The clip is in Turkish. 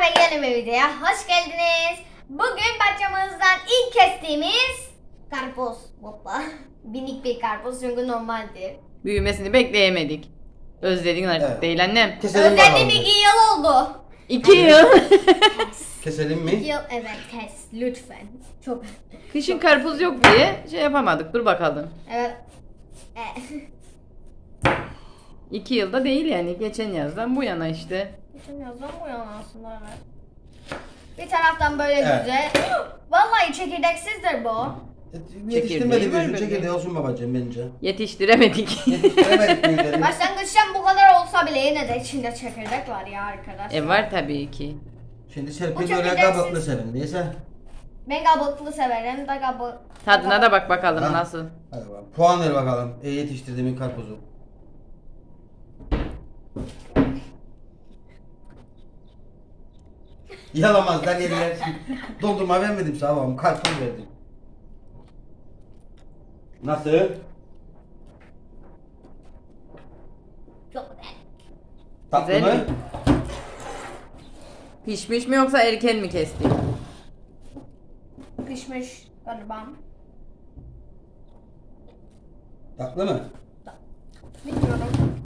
ve yeni bir videoya hoş geldiniz. Bugün bahçemizden ilk kestiğimiz karpuz. Hoppa. Minik bir karpuz çünkü normaldir. Büyümesini bekleyemedik. Özledin artık Evet. değil annem. Keselim Özledim bakalım. 2 yıl oldu. 2 yıl. Keselim 2 mi? yıl evet kes lütfen. Çok. Kışın karpuz yok diye şey yapamadık. Dur bakalım. Evet. 2 yılda değil yani. Geçen yazdan bu yana işte. Geçen yazdan bu yana aslında evet. Bir taraftan böyle Evet. güzel. Vallahi çekirdeksizdir bu. Yetiştirmedi Çekirdeği var bir böyle. çekirdeği olsun babacığım bence. Yetiştiremedik. Yetiştiremedik büyükleri. Başlangıçtan bu kadar olsa bile yine de içinde çekirdek var ya arkadaşlar. Var tabii ki. Şimdi Bu Serpil çekirdeksiz. öyle kabuklu sevindiyse. Ben kabuklu severim da kabuk. Tadına da bak bakalım Ha. nasıl. Hadi bakalım. Puan ver bakalım. Yetiştirdiğimin karpuzu. Yalamazlar yediler. Doldurma vermedim sana babam. Karpuz verdim. Nasıl? Çok güzel. Tatlı Güzel mı? mi? Pişmiş mi yoksa erken mi kestik? Pişmiş galiba. Tatlı mı? Bilmiyorum.